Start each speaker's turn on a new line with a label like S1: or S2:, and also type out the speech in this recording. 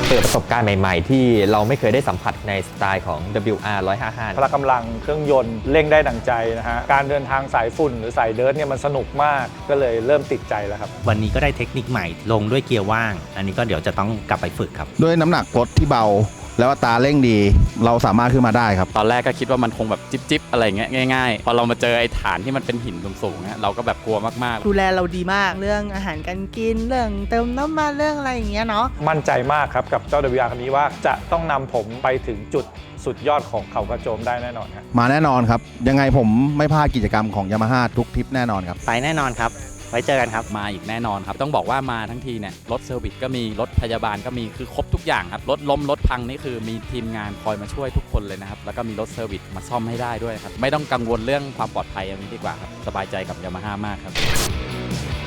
S1: เปิดประสบการณ์ใหม่ๆที่เราไม่เคยได้สัมผัสในสไตล์ของ WR 155
S2: พละกำลังเครื่องยนต์เร่งได้ดังใจนะฮะการเดินทางสายฝุ่นหรือสายเดิร์ทเนี่ยมันสนุกมากก็เลยเริ่มติดใจแล้วครับ
S3: วันนี้ก็ได้เทคนิคใหม่ลงด้วยเกียร์ว่างอันนี้ก็เดี๋ยวจะต้องกลับไปฝึกครับ
S4: ด้วยน้ำหนักรถที่เบาแล้วอัตราเร่งดีเราสามารถขึ้นมาได้ครับ
S5: ตอนแรกก็คิดว่ามันคงแบบจิ๊บอะไรเงี้ยง่ายๆพอเรามาเจอไอ้ฐานที่มันเป็นหินสูงๆเนี่ยเราก็แบบกลัวมากๆ
S6: ดูแลเราดีมากเรื่องอาหารการกินเรื่องเติมน้ำมันเรื่องอะไรอย่างเงี้ยเนาะ
S2: มั่นใจมากครับกับเจ้า WR คันนี้ว่าจะต้องนำผมไปถึงจุดสุดยอดของเขากระโจมได้แน่นอนครับ
S4: มาแน่นอนครับยังไงผมไม่พลาดกิจกรรมของ Yamaha ทุกทริปแน่นอนครับ
S3: ไปแน่นอนครับไว้เจอกันครับ
S5: มาอีกแน่นอนครับต้องบอกว่ามาทั้งทีเนี่ยรถเซอร์วิสก็มีรถพยาบาลก็มีคือครบทุกอย่างครับรถล้มรถพังนี่คือมีทีมงานคอยมาช่วยทุกคนเลยนะครับแล้วก็มีรถเซอร์วิสมาซ่อมให้ได้ด้วยครับไม่ต้องกังวลเรื่องความปลอดภัยอย่างนี้ดีกว่าครับสบายใจกับ Yamaha มากครับ